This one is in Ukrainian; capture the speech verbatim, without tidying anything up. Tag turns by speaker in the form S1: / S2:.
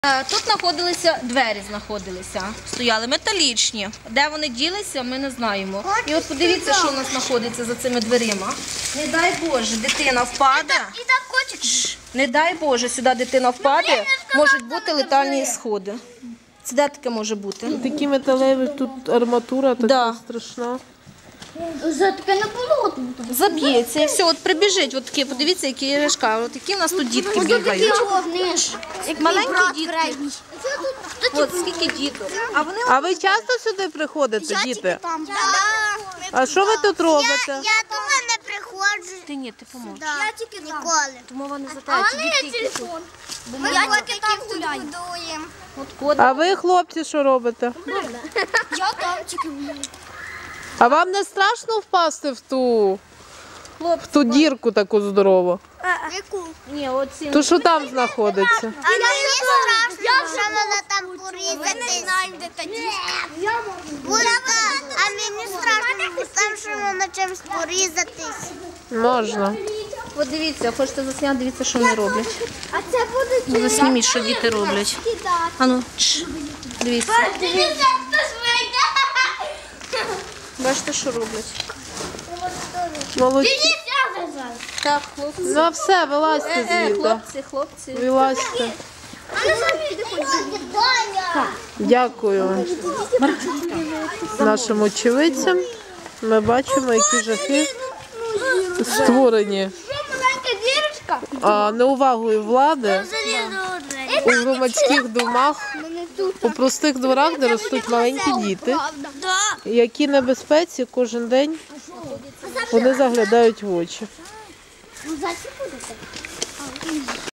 S1: Тут знаходилися двері, знаходилися, стояли металічні. Де вони ділися, ми не знаємо. І от подивіться, що у нас знаходиться за цими дверима. Не дай Боже, дитина впаде.
S2: І там котик.
S1: Не дай Боже, сюди дитина впаде, можуть бути летальні сходи. Це де таке може бути?
S3: Такі металеві, тут арматура така
S1: Да.
S3: страшна.
S2: За таке не було тут.
S1: Заб'ється і все, от прибіжить, от такі, подивіться, які іграшка, от які в нас тут дітки бігають. Маленькі дітки. От скільки діток. А вони
S3: А ви часто сюди приходите, діти?
S2: Там.
S3: А що ви тут робите?
S2: Я туди не приходжу.
S1: Ти ні, ти поможеш.
S2: Я тільки ніколи.
S1: Тому вони затають, ці дітки, які тут.
S2: Ми тільки там будуємо.
S1: От код.
S3: А ви, хлопці, що робите?
S2: Я там тільки гуляю.
S3: А вам не страшно впасти в ту,
S1: Хлопці,
S3: в ту дірку таку здорову?
S2: Яку?
S1: ні, оці.
S3: То що там знаходиться?
S2: А мені страшно, що мене там порізати. Ви не знаєте тоді. А мені страшно, там, що мене чимось порізатись.
S3: Можна.
S1: От дивіться, хочете засняти, дивіться, що вони роблять.
S2: А це буде
S1: Ну, засніміть, що діти роблять. А ну, чш, дивіться. Бачите, що роблять.
S3: Молодці.
S1: Так, хлопці.
S3: Ну а все, вилазьте
S1: Е, е,
S3: звідти.
S1: хлопці, хлопці.
S3: Вилазьте. Дякую нашим очевидцям. Ми бачимо, які жахи створені а, неувагою влади у громадських домах, у простих дворах, де ростуть маленькі діти, які небезпеці кожен день вони заглядають в очі.
S2: Ну, зачем буде?